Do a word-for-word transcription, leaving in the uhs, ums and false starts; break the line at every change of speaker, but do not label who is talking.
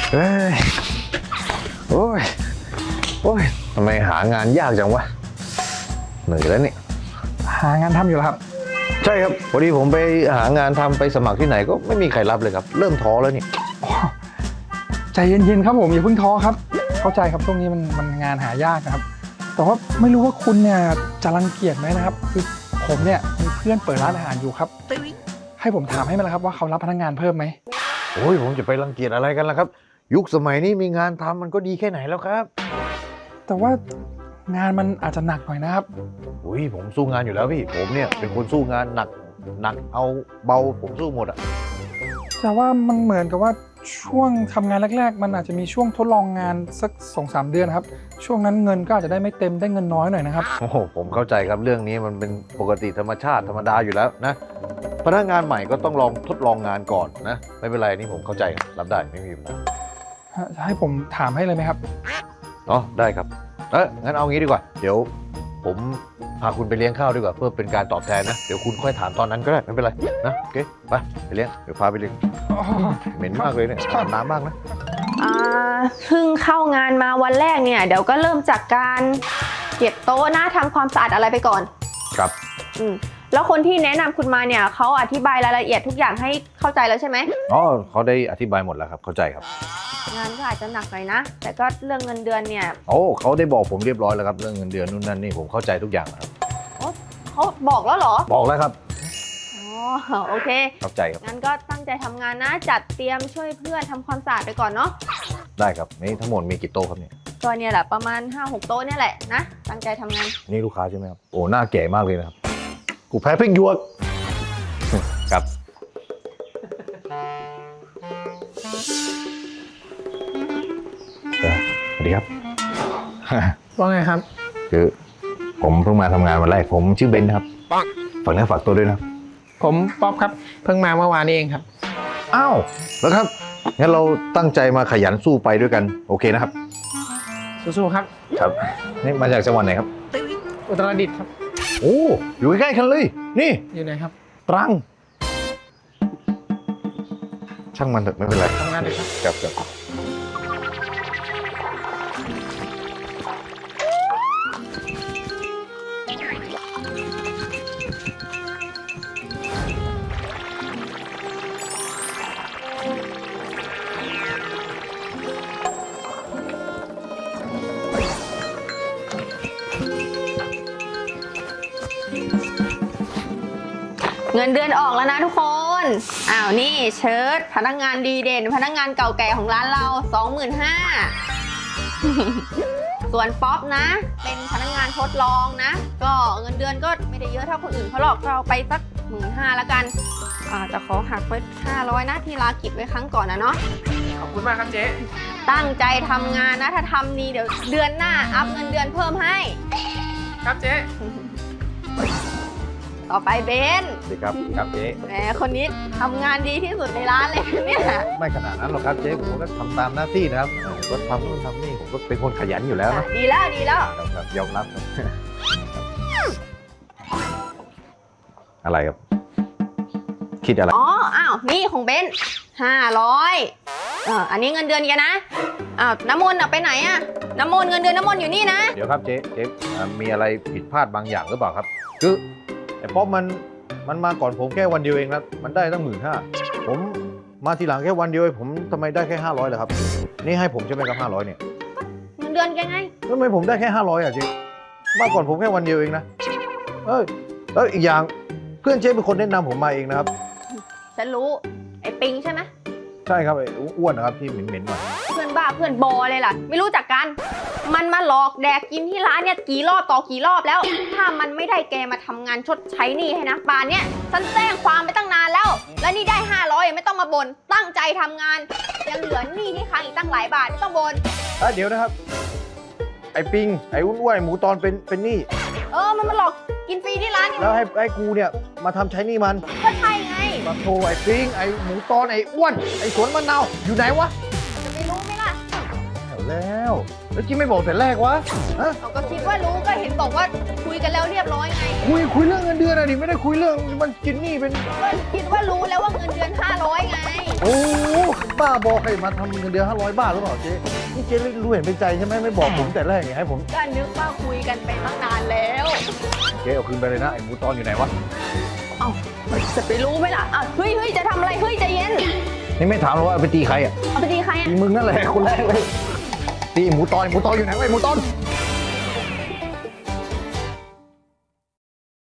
เฮ้ยโอ้ยโอ้ยทำไมหางานยากจังวะเหนื่อยแล้วนี่
หางานทำอยู่แล้วครับ
ใช่ครับพอดีผมไปหางานทำไปสมัครที่ไหนก็ไม่มีใครรับเลยครับเริ่มท้อแล้วนี่
ใจเย็นๆครับผมอย่าเพิ่งท้อครับเข้าใจครับช่วงนี้มันมันงานหายากนะครับแต่ว่าไม่รู้ว่าคุณเนี่ยจะรังเกียจไหมนะครับคือผมเนี่ยมีเพื่อนเปิดร้านอาหารอยู่ครับให้ผมถามให้ไหมล่ะครับว่าเขารับพนักงานเพิ่มไหม
โอ้ยผมจะไปรังเกียจอะไรกันล่ะครับยุคสมัยนี้มีงานทำมันก็ดีแค่ไหนแล้วครับ
แต่ว่างานมันอาจจะหนักหน่อยนะครับ
อุ้ยผมสู้งานอยู่แล้วพี่ผมเนี่ยเป็นคนสู้งานหนักหนักเอาเบาผมสู้หมดอะ
แต่ว่ามันเหมือนกับว่าช่วงทำงานแรกๆมันอาจจะมีช่วงทดลองงานสัก สองสาม เดือนครับช่วงนั้นเงินก็อาจจะได้ไม่เต็มได้เงินน้อยหน่อยนะครับ
โอ้โหผมเข้าใจครับเรื่องนี้มันเป็นปกติธรรมชาติธรรมดาอยู่แล้วนะพนักงานใหม่ก็ต้องลองทดลองงานก่อนนะไม่เป็นไรนี่ผมเข้าใจรับได้ไม่มีปัญหา
จะให้ผมถามให้เลยไหมครับ
อ๋อได้ครับเอองั้นเอางี้ดีกว่าเดี๋ยวผมพาคุณไปเลี้ยงข้าวดีกว่าเพื่อเป็นการตอบแทนนะเดี๋ยวคุณค่อยถามตอนนั้นก็ได้ไม่เป็นไรนะโอเคไปไปเลี้ยงเดี๋ยวพาไปเลี้ยงเหม็นมากเลยเนี่ยอาบน้ำมากนะ
อ่าเพิ่งเข้างานมาวันแรกเนี่ยเดี๋ยวก็เริ่มจากการเก็บโต๊ะนะทำความสะอาดอะไรไปก่อน
ครับ
อืมแล้วคนที่แนะนำคุณมาเนี่ยเขาอธิบายรายละเอียดทุกอย่างให้เข้าใจแล้วใช่ไหม
อ๋อเขาได้อธิบายหมดแล้วครับเข้าใจครับ
งานก็อาจจะหนักหน่อยนะแต่ก็เรื่องเงินเดือนเนี่ย
โอ้เขาได้บอกผมเรียบร้อยแล้วครับเรื่องเงินเดือนนู่นนั่นนี่ผมเข้าใจทุกอย่างครับ
โอ้เขาบอกแล้วเหรอ
บอกแล้วครับ
อ๋อโอเค
เข้าใจครับ
งั้นก็ตั้งใจทำงานนะจัดเตรียมช่วยเพื่อนทำความสะอาดไปก่อนเนาะ
ได้ครับนี่ทั้งหมดมีกี่โต๊ะครับเนี่ย
ก็เนี่ยแหละประมาณ ห้าหก โต๊ะเนี่ยแหละนะตั้งใจทำงาน
นี่ลูกค้าใช่ไหมครับโอ้หน้าแก่มากเลยนะครับกูแพ้พริกหยวกครับสวัสดีครับ
ว่าไงครับ
คือผมเพิ่งมาทำงานวันแรกผมชื่อเบนครับฝากเนื้อฝากตัวด้วยนะ
ผมป๊อปครับเพิ่งมาเมื่อวานนี้เองครับ
อ้าวแล้วครับงั้นเราตั้งใจมาขยันสู้ไปด้วยกันโอเคนะครับ
สู้ๆครับ
ครับนี่มาจากจังหวัดไหนครับ
อุตรดิตถ์ครับ
โอ้อยู่ใกล้ๆกันเลยนี่
อยู่ไหนครับ
ตรังช่างมันเถอะไม่เป็นไร
ทำงานเลย
ครับครับครับ
เงินเดือนออกแล้วนะทุกคนอ้าวนี่เชิ้ตพนักงานดีเด่นพนักงานเก่าแก่ของร้านเรา สองหมื่นห้าพัน ส่วนป๊อปนะเป็นพนักงานทดลองนะก็เงินเดือนก็ไม่ได้เยอะเท่าคนอื่นเขาหรอกเราไปสัก หนึ่งหมื่นห้าพัน แล้วกันอาจะขอหักไว้ห้าร้อยนะที่ลากิจไว้ครั้งก่อนนะเนาะ
ขอบคุณมากครับเจ๊
ตั้งใจทำงานนะถ้าทำดีเดี๋ยวเดือนหน้าอัพเงินเดือนเพิ่มให้
ครับเจ๊
ต่อไปเบน
ดีครับครับเจ๊
แหมคนนี้ทำงานดีที่สุดในร้านเลยเนี่ย
ไม่ขนาดนั้นหรอกครับเจ๊ผมก็ทำตามหน้าที่นะครับก็ทำนู่นทำนี่ผมก็เป็นคนขยันอยู่แล้วนะ
ดีแล้วดีแล้ว
ครับยอมรับครับอะไรครับคิดอะไร
อ๋ออ้าวนี่ของเบนห้าร้อยอ่าอันนี้เงินเดือนแกนะอ้าวน้ำมนต์ไปไหนอะน้ำมนต์เงินเดือนน้ำมนต์อยู่นี่นะ
เดี๋ยวครับเจ๊เจ๊มีอะไรผิดพลาดบางอย่างหรือเปล่าครับคือไอ้ป๊อปมันมันมาก่อนผมแค่วันเดียวเองนะมันได้ตั้งหมื่นห้าผมมาทีหลังแค่วันเดียวผมทำไมได้แค่ห้าร้อยเลยครับนี่ให้ผมใช่ไหมครับห้าร้อยเนี่ย
เงินเดือนแกไง
ทำไมผมได้แค่ห้าร้อยอ่ะเจ๊มาก่อนผมแค่วันเดียวเองนะเอ้ยแล้วอีกอย่างเพื่อนเจ๊เป็นคนแนะนำผมมาเองนะครับ
ฉันรู้ไอ้ปิงใช่ไหม
ใช่ครับไอ้อ้วนนะครับที่เหม็นๆหน่อย
เพื่อนบ้าเพื่อนบอเลยล่ะไม่รู้จักกันมันมาหลอกแดกกินที่ร้านเนี่ยกี่รอบต่อกี่รอบแล้วถ้ามันไม่ได้แกมาทำงานชดใช้หนี้ให้นะป่านเนี่ยฉันแจ้งความไปตั้งนานแล้วแล้วนี่ได้ห้าร้อยไม่ต้องมาบ่นตั้งใจทำงานยังเหลือหนี้ที่ค้างอีกตั้งหลายบาทไม่ต้องบ่น
เดี๋ยวนะครับไอ้ปิงไอ้อ้วนๆหมูตอนเป็นเป็นหนี้
เออมันมาหลอกกินฟรีที่ร้าน
แล้วให้ไอ้กูเนี่ยมาทำใช้หนี้มัน
ก็ใช่ไง
มาโทรไอ้ปิงไอ้หมูตอนไอ้อ้วนไอ้สวนมะนาวอยู่ไหนวะ
จะไม่รู้ไหมล่ะ
แล้วแล้วจิ๊บไม่บอกแต่แรกวะฮะ
ก็คิดว่ารู้ก็เห็นบอกว่าคุยกันแล้วเรียบร้อยไง
คุยคุยเรื่องเงินเดือนอะดิไม่ได้คุยเรื่องมันกินหนี้เป็น
ก็คิดว่ารู้แล้วว่าเงินเดือนห้าร้อยไง
โอ้บ้าบอกให้มาทำเงินเดือนห้าร้อยบาทหรือเปล่าเจ๊นี่เจ๊รู้เห็นเป็นใจใช่ไหมไม่บอกผมแต่แรกไงให้ผม
ก็นึกว่าคุยกันไปตั้งนานแล้ว
เจ๊เอาคืนไปเลยนะไอ้หมูตอนอยู่ไหนวะ
เอ้าจะไปรู้ไหมล่ะอ่ะเฮ้ยเฮ้ยจะทำอะไรเฮ้ยใจเย็น
นี่ไม่ถามหรอกว่าเอาไปตีใครอ่ะ
เอาไปตีใครอ่ะ
ตีมึงนั่นแหละคนแรกเลยตีหมูตอนหมูตอนอยู่ไหนวะไอ้หมูตอน